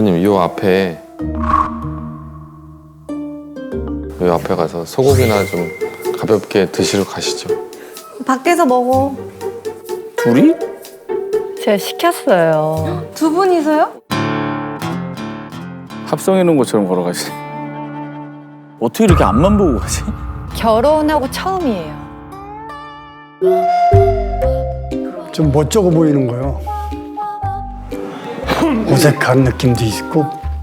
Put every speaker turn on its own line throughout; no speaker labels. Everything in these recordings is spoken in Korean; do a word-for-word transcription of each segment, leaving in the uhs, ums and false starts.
아버님 요 앞에 요 앞에 가서 소고기나 좀 가볍게 드시러 가시죠.
밖에서 먹어.
둘이?
제가 시켰어요.
두 분이서요?
합성해 놓은 것처럼 걸어가시. 어떻게 이렇게 앞만 보고 가지?
결혼하고 처음이에요.
좀 멋쩍어 보이는 거요. 어색한 느낌도 있고.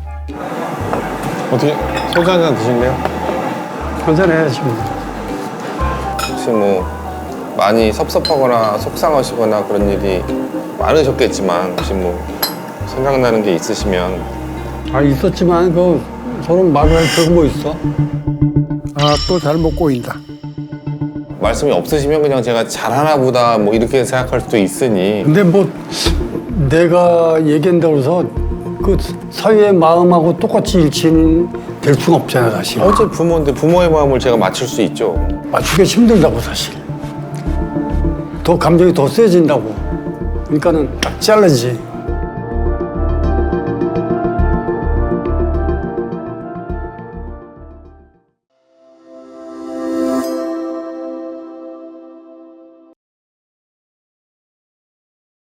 어떻게 소주 한잔 드실래요?
한잔 해야지 뭐.
혹시 뭐 많이 섭섭하거나 속상하시거나 그런 일이 많으셨겠지만 혹시 뭐 생각나는 게 있으시면
아 있었지만 그 서로 말을 할 필요가 뭐 있어? 아 또 잘못 꼬인다.
말씀이 없으시면 그냥 제가 잘하나 보다 뭐 이렇게 생각할 수도 있으니
근데 뭐 내가 얘기한다고 해서 그 사위의 마음하고 똑같이 일치는 될 수가 없잖아 사실.
어째 부모인데 부모의 마음을 제가 맞출 수 있죠.
맞추기 힘들다고 사실. 더 감정이 더 세진다고. 그러니까는 딱 잘라지.